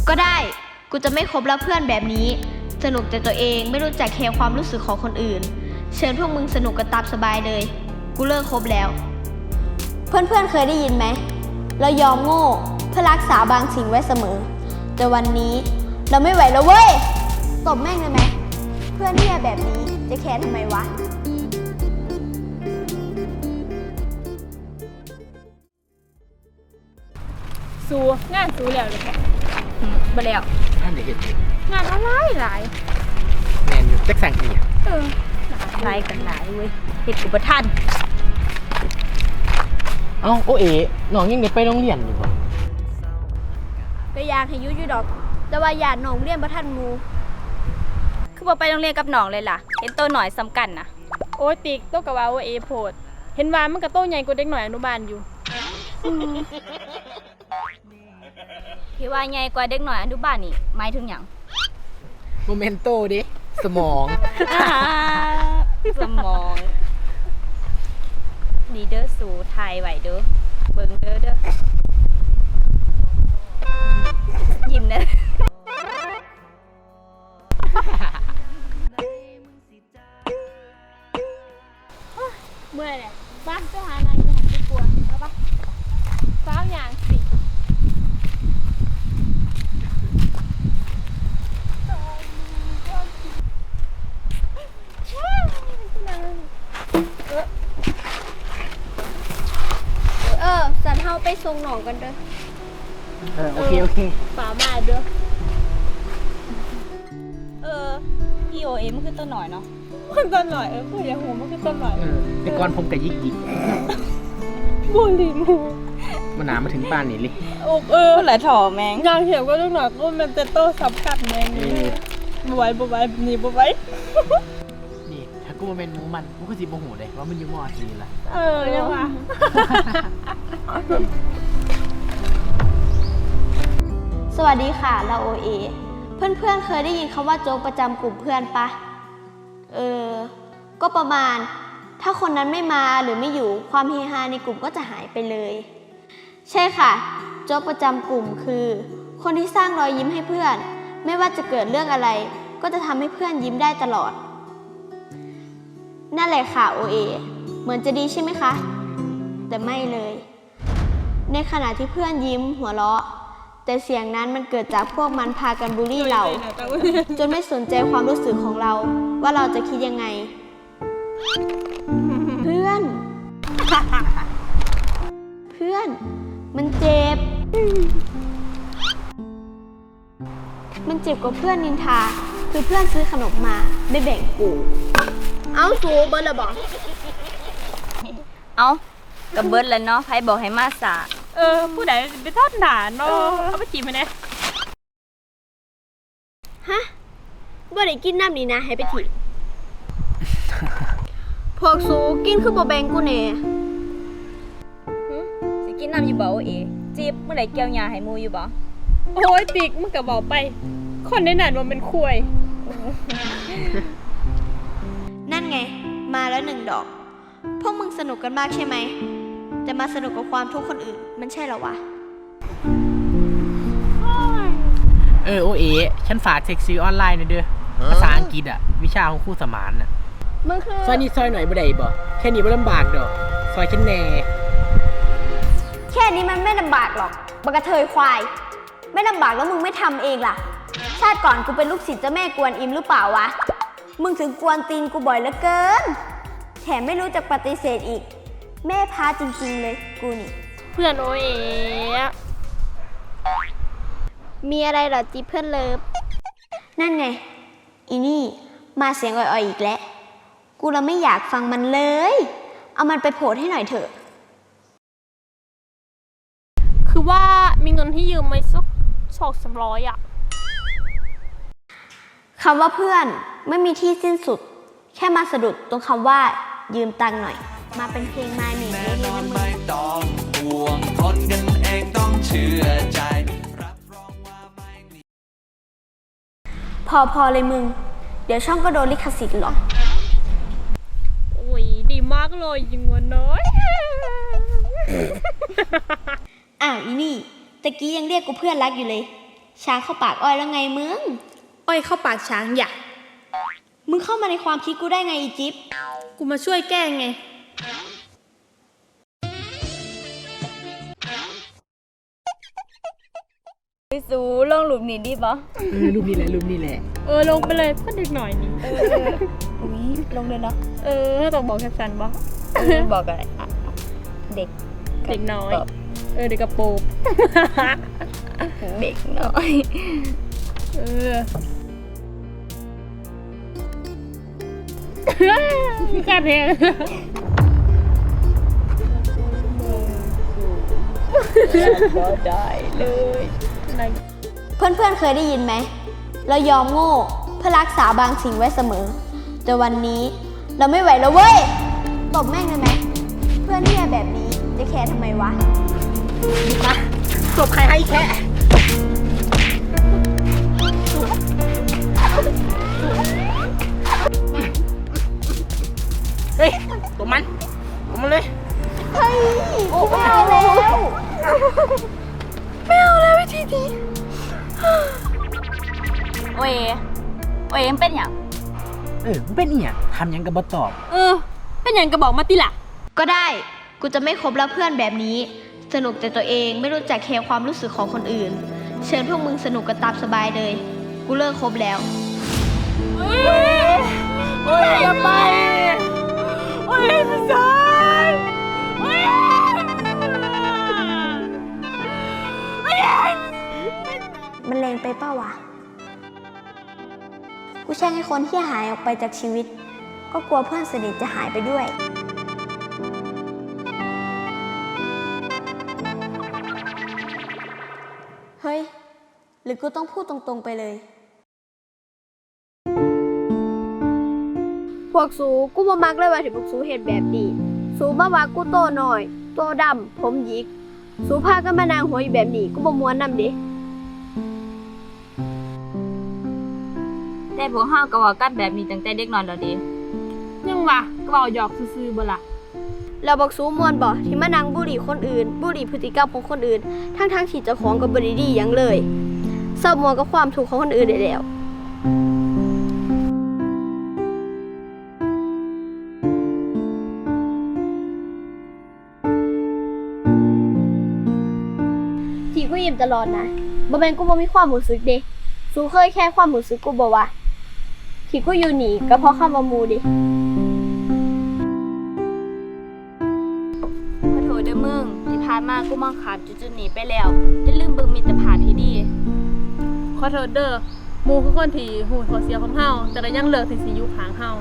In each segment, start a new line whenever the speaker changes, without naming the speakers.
ก็ได้กูจะไม่คบแล้วเพื่อนแบบนี้สนุกแต่ตัวเองไม่รู้จักแคร์ความรู้สึกของคนอื่นเชิญพวกมึงสนุกกันตามสบายเลยกูเลิกคบแล้วเพื่อนๆเคยได้ยินไหมเรายอมโง่เพื่อรักษาบางสิ่งไว้เสมอแต่วันนี้เราไม่ไหวแล้วเว้ยตบแม่งเลยไหมเพื่อนที่แบบนี้จะแคร์ทำไมวะ
สู้งานสู้แล้วเลยค่ะบ่แล้ว
ท่านเดี๋ยวเห็น
งานอะไรหลาย
แมนอยู่แจ็คสังอีก
หลายกันหลายเว้ยเฮ็ดอุปทาน
เอ้าโอเอ๋น้องยังได้ไปโรงเรียนอยู่บ่
ก็อยากให้ยุดอกแต่ว่าอยากน้องเรียนบ่ทันงู
คือบ่ไปโรงเรียนกับน้องเลยล่ะเห็นโตหน่อยสำคัญนะ
โอ้ยติ๊กโตกับว่าเอโพดเห็นว่ามันก็โตใหญ่กว่าเด็กหน่อยอนุบาลอยู่
ที่ว่าใหญ่กว่าเด็กหน่อยอนุบาลนี่หมายถึงหยัง
โมเมนโตดิสมอง
สมองดีเด้อสู่ไทยไหวเด้อเบิ่งเด้อยิ้มเด้อ
เมื่อยแหละบ้านไปหานายอยู่หันไปกลัวแล้วปะฟ้าวอย่างสิ
สันเฮาไปส่งหนองกันเด้อ
โอเค
ฟ้ามาเด้อ
พี่โอเอมันคือตัวหน่อยเนาะ
มันต้นหน่อยผู้ใหญ่หูมันคือต้นหน่อย
แต่ก่อนผมกับยิก
บุหรี่มู
มันหนามาถึงบ้านนี่เลย
หลายถ่อแมง
ยางเขียวก็ลูกหน่อยก็มันจะโตสำคัญแมงนี่บ่ไหวนี่บ่ไหว
นี่ถ้ากูมาเป็นหมูมันกูก็สิบ่หูเลยว่ามันอยู่มอทีละ
ยังวะ
สวัสดีค่ะเราโอเอเพื่อนๆเคยได้ยินคำว่าโจ๊กประจำกลุ่มเพื่อนปะก็ประมาณถ้าคนนั้นไม่มาหรือไม่อยู่ความเฮฮาในกลุ่มก็จะหายไปเลยใช่ค่ะโจ๊กประจำกลุ่มคือคนที่สร้างรอยยิ้มให้เพื่อนไม่ว่าจะเกิดเรื่องอะไรก็จะทำให้เพื่อนยิ้มได้ตลอดนั่นแหละค่ะโอเอเหมือนจะดีใช่ไหมคะแต่ไม่เลยในขณะที่เพื่อนยิ้มหัวเราะแต่เสียงนั้นมันเกิดจากพวกมันพากันบูลลี่เราจนไม่สนใจความรู้สึกของเราว่าเราจะคิดยังไงเพื่อนมันเจ็บกว่าเพื่อนนินทาคือเพื่อนซื้อขนมมาไม่แบ่งกูเอาสูเบิร์ดละบอก
เอากับเบิร์ดแล้วเนาะไผบอกให้มาสา
ผู้ใดไปทอดหนาเนาะเอาไปจีบมาเนี่ย
ฮะบ่ได้กินน้ำนี่นะให้ไปถีบพวกสูกินคือบ่แบ่งกูแน่
สิกินน้ำอยู่บ่โอเอจีบเมื่อไหร่เกี่ยวยาให้มูอยู่บ่
โอ้ยติ๊กมึงก็บอกไปคนในนั้นมันเป็นคุย
นั่นไงมาแล้ว1 ดอกพวกมึงสนุกกันมากใช่ไหมแต่มาสนุกกับความทุกข์คนอื่นมันใช่เหรอวะ
โอเอ๋ฉันฝากเช็คซื้อออนไลน์หน่อยเด้อภาษาอังกฤษอ่ะวิชาของครูสมานน่ะ
มึงคือ
ซอยนิดซอยหน่อยบ่ได้บ่แค่นี้บ่ลำบากดอกซอยฉันแน่
แค่นี้มันไม่ลำบากหรอกบักกระเทยควายไม่ลำบากแล้วมึงไม่ทำเองล่ะชาติก่อนกูเป็นลูกศิษย์เจ้าแม่กวนอิมหรือเปล่าวะมึงถึงกวนตีนกูบ่อยเหลือเกินแถมไม่รู้จักปฏิเสธอีกแม่พาจริงๆเลยกูนี่
เพื่อนโอเอ๋
มีอะไรเหรอจีเพื่อนเลิฟนั่นไงอีนี่มาเสียงอ่อยๆอีกแล้วกูเราไม่อยากฟังมันเลยเอามันไปโพสให้หน่อยเถอะ
คือว่ามีเงินที่ยืมไหมสัก200-300อ่ะ
คำว่าเพื่อนไม่มีที่สิ้นสุดแค่มาสะดุดตรงคำว่ายืมตังค์หน่อยมาเป็นเพลงมาหนึ่งแน่นอนไม่ต้องห่วงคนกันเองต้องเชื่อใจรับรองว่าไม่มีพอเลยมึงเดี๋ยวช่องก็โดนลิขสิทธิ์หรอก
โอ้ยดีมากเลยยิงวันน้อย
อ้าวอีนี่ตะกี้ยังเรียกกูเพื่อนรักอยู่เลยช้างเข้าปากอ้อยแล้วไงมึง
อ้อยเข้าปากช้างอย่า
มึงเข้ามาในความคิดกูได้ไงอีจิ๊บ
กูมาช่วยแก้ไง
พี่สูลงหลุมนี้ดีปะ
รูปนี้แหละรูปนี้แหละ
ลงไปเลยเพื่อนเด็กหน่อยนี่
อุ้ยลงเลยเนาะ
ต้องบอกแคปชั่นบ่
บอกอะไรอ่ะเด็ก
เด็กน้อย
กับ
เด็กกระโปรง
เด็กน้อย
การเพลง
ก็ได้เลย
เพื่อนๆเคยได้ยินไหม เรายอมโง่เพื่อรักษาบางสิ่งไว้เสมอ แต่วันนี้เราไม่ไหวแล้วเว้ย ตบแม่งเลยไหม เพื่อนที่แบบนี้จะแคร์ทำไมวะ
จบใครให้แค่เฮ้ยตัวมันเลย
เฮ้ยไม่เอาแล้ว
โอ้ยมันเป็นอย่าง
มันเป็นอีหยังทำหยังกับบ่ตอบ
เป็นอย่างกระบอกมาติล่ะ
ก็ได้ กูจะไม่คบแล้วเพื่อนแบบนี้ สนุกแต่ตัวเองไม่รู้จักแคร์ความรู้สึกของคนอื่น เชิญพวกมึงสนุกกันตามสบายเลย กูเลิกคบแล้ว
โอ้ยอย่าไปโอ้ยพี่สายโอ้ย
มันแรงไปเป้าวะ กูแช่งให้คนที่หายออกไปจากชีวิต ก็กลัวเพื่อนสนิทจะหายไปด้วย เฮ้ย หรือกูต้องพูดตรงๆไปเลย พวกสูกูบ่มักเลยว่าที่พวกสูเห็นแบบนี้ สูมาว่ากูโตหน่อย โตดำ ผมหยิก สูพากันมานางหัวอยู่แบบนี้กูบ่ม้วนนำเดิ
แต่พวกเฮาก็ว่ากันแบบนี้ตั้งแต่เด็กน้อยแล้วดิ
ยังวะกระบอกหยอกซื่อๆบ่ล่ะ
เราบอกสูมวนบ่ที่มานั่งบุหรี่คนอื่น บุหรี่พฤติกรรมของคนอื่น ทั้งที่เจ้าของก็บ่ได้ดีหยังเลยเศร้ามวนกับความทุกข์ของคนอื่นได้แล้ว ที่กูยิ้มตลอดนะบ่แม่นกูบ่มีความรู้สึกเด้สูเคยแค่ความรู้สึกกูบ่วะที่กูอยู่นี่ก็เพราะคำว่าหมู่ดิ
ขอโทษเด้อมึงที่ผ่านมากูมองข้ามจุดๆนี้ไปแล้วอย่าลืมเบิ่งมิตรภาพที่ดี
ขอโทษเด้อหมู่คือคนที่หูข้อเสียของเฮาแต่ก็ยังเลือกที่สิอยู่ข้างเฮา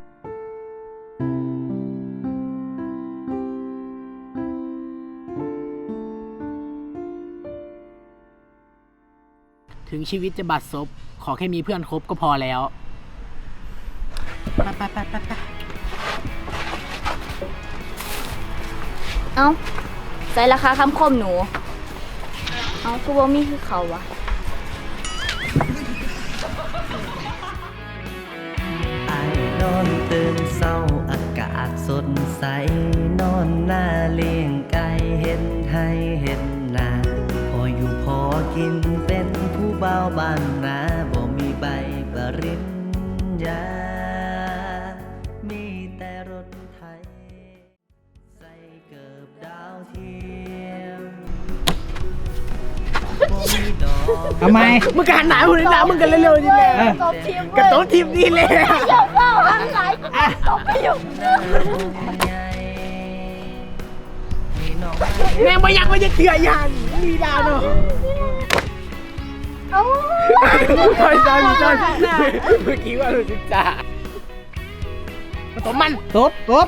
ถึงชีวิตจะบัดซบขอแค่มีเพื่อนคบก็พอแล้วไป
เอ้าใส่ราคาคำคมหนู เอ้ากูบ่มีคือเขาวะ
ไอ้นอนตื่นเศร้าอากาศสดใสนอนหน้าเลี้ยงไก่เห็นให้เห็นนาพออยู่พอกินเป็นผู้เบาบ้านนาบ่มีใบปริญญามีแต่รถไถใส่เกิบดาวเทียมบ่มีดอก
ทำไมมึงการหนาหุ่นหนามึงกันเร็วๆนี่แหละกระโต๊ะทีมนี่เลยแม่งมายังไม่จะเถื่อยันมีดาวเนาะจอยเมื่อกี้ว่ารู้สึกจ้าตบมันตบ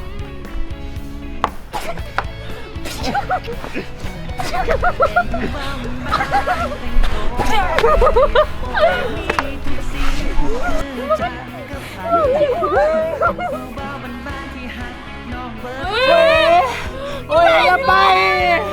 โอ้ยอย่าไป